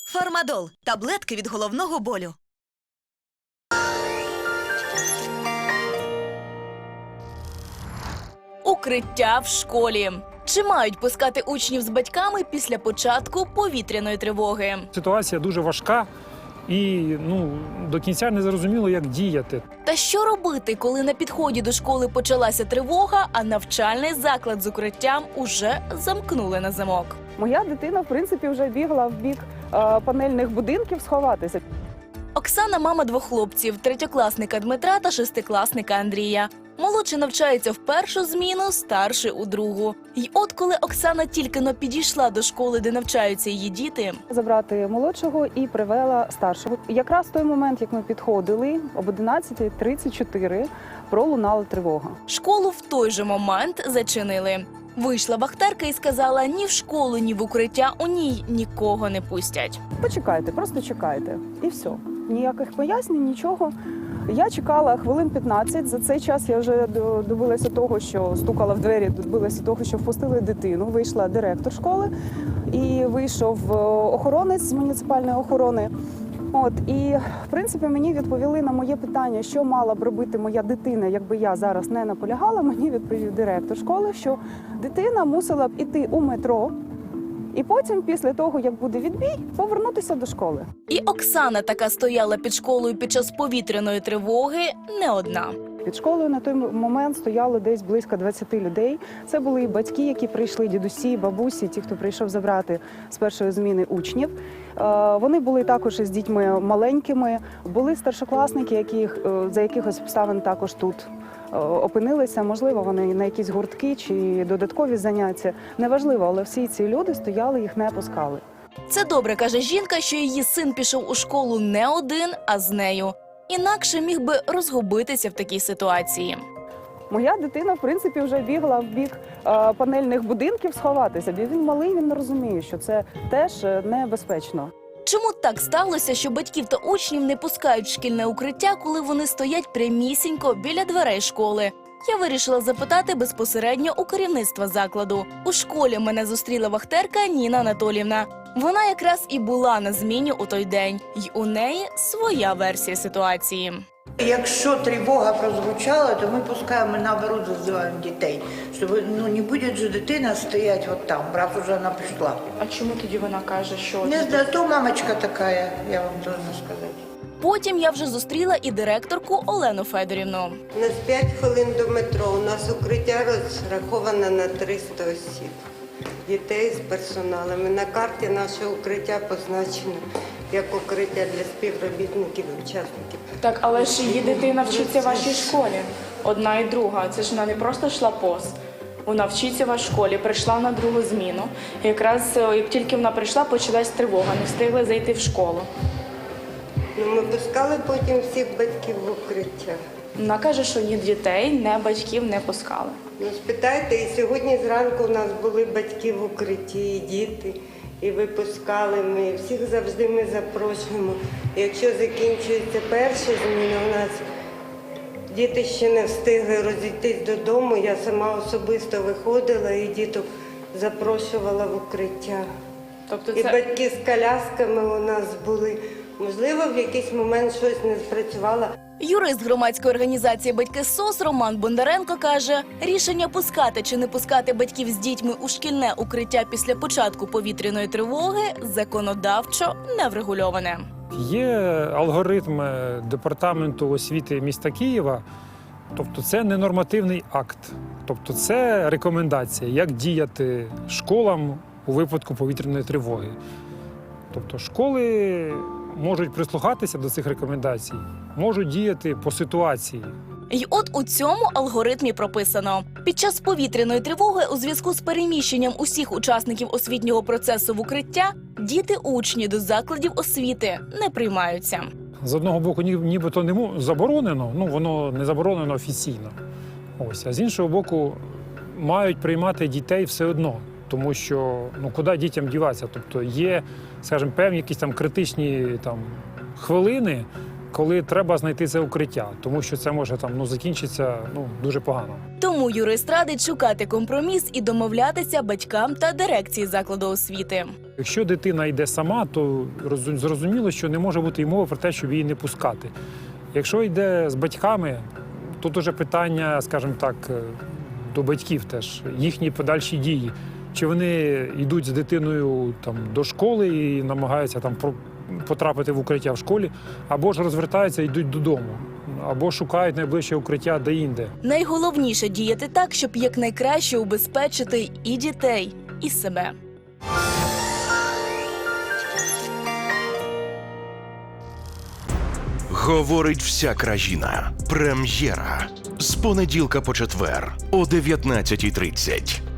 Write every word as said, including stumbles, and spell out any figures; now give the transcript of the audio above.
Фармадол – таблетки від головного болю. Укриття в школі. Чи мають пускати учнів з батьками після початку повітряної тривоги? Ситуація дуже важка і ну, до кінця не зрозуміло, як діяти. Та що робити, коли на підході до школи почалася тривога, а навчальний заклад з укриттям уже замкнули на замок? Моя дитина, в принципі, вже бігла в бік е, панельних будинків сховатися. Оксана – мама двох хлопців – третьокласника Дмитра та шестикласника Андрія. Молодший навчається в першу зміну, старший – у другу. І от коли Оксана тільки-но підійшла до школи, де навчаються її діти, Забрати молодшого і привела старшого. Якраз в той момент, як ми підходили, об одинадцята тридцять чотири пролунала тривога. школу в той же момент зачинили. Вийшла вахтерка і сказала, ні в школу, ні в укриття у ній нікого не пустять. Почекайте, просто чекайте. І все. Ніяких пояснень, нічого. Я чекала хвилин п'ятнадцять. За цей час я вже добилася того, що стукала в двері, добилася того, що впустили дитину. Вийшла директор школи і вийшов охоронець з муніципальної охорони. От, і, в принципі, мені відповіли на моє питання, що мала б робити моя дитина, якби я зараз не наполягала. Мені відповів директор школи, що дитина мусила б іти у метро, і потім, після того, як буде відбій, повернутися до школи. І Оксана така стояла під школою під час повітряної тривоги не одна. Під школою на той момент стояло десь близько двадцяти людей. Це були і батьки, які прийшли, дідусі, бабусі, ті, хто прийшов забрати з першої зміни учнів. Е, Вони були також із дітьми маленькими, були старшокласники, які за якихось обставин також тут е, опинилися. Можливо, вони на якісь гуртки чи додаткові заняття. Неважливо, але всі ці люди стояли, їх не пускали. Це добре, каже жінка, що її син пішов у школу не один, а з нею. Інакше міг би розгубитися в такій ситуації. Моя дитина, в принципі, вже бігла в бік е, панельних будинків сховатися. Бо він малий, він не розуміє, що це теж е, небезпечно. Чому так сталося, що батьків та учнів не пускають в шкільне укриття, коли вони стоять прямісінько біля дверей школи? Я вирішила запитати безпосередньо у керівництва закладу. У школі мене зустріла вахтерка Ніна Анатоліївна. Вона якраз і була на зміні у той день. І у неї своя версія ситуації. Якщо тривога прозвучала, то ми пускаємо, наоборот, зазиваємо дітей. Щоб, ну, не буде же дитина стояти от там, раз уже вона прийшла. А чому тоді вона каже, що... Не знаю, то мамочка така, я вам должна сказати. Потім я вже зустріла і директорку Олену Федорівну. У нас п'ять хвилин до метро, у нас укриття розраховане на триста осіб. Дітей з персоналом. І на карті наше укриття позначено як укриття для співробітників і учасників. Так, але ж її дитина вчиться в вашій школі. Одна і друга. Це ж вона не просто йшла поз. Вона вчиться в вашій школі, прийшла на другу зміну. І якраз як тільки вона прийшла, почалась тривога, не встигли зайти в школу. Ну, ми пускали потім всіх батьків в укриття. Вона каже, що ні дітей, ні батьків не пускали. Ну, спитайте, і сьогодні зранку у нас були батьки в укритті, і діти, і випускали ми, і всіх завжди ми запрошуємо. І якщо закінчується перша зміна, у нас діти ще не встигли розійтись додому, я сама особисто виходила і діток запрошувала в укриття. Тобто І це... батьки з колясками у нас були. Можливо, в якийсь момент щось не спрацювало. Юрист громадської організації «Батьки СОС» Роман Бондаренко каже, рішення пускати чи не пускати батьків з дітьми у шкільне укриття після початку повітряної тривоги законодавчо не врегульоване. Є алгоритм департаменту освіти міста Києва, тобто це не нормативний акт, тобто це рекомендація, як діяти школам у випадку повітряної тривоги. Тобто школи можуть прислухатися до цих рекомендацій, можуть діяти по ситуації. І от у цьому алгоритмі прописано. Під час повітряної тривоги у зв'язку з переміщенням усіх учасників освітнього процесу в укриття діти-учні до закладів освіти не приймаються. З одного боку, ні- нібито не мо- заборонено, ну воно не заборонено офіційно. Ось, а з іншого боку, мають приймати дітей все одно. Тому що ну куди дітям діватися? Тобто є, скажімо, певні якісь там критичні там хвилини, коли треба знайти це укриття, тому що це може там ну закінчитися ну дуже погано. Тому юрист радить шукати компроміс і домовлятися батькам та дирекції закладу освіти. Якщо дитина йде сама, то розу- зрозуміло, що не може бути й мови про те, щоб її не пускати. Якщо йде з батьками, тут уже питання, скажімо так, до батьків теж, їхні подальші дії. Чи вони йдуть з дитиною там, до школи і намагаються там про- потрапити в укриття в школі, або ж розвертаються і йдуть додому, або шукають найближче укриття де-інде. Найголовніше діяти так, щоб якнайкраще убезпечити і дітей, і себе. Говорить вся країна. Прем'єра. З понеділка по четвер о дев'ятнадцятій тридцять.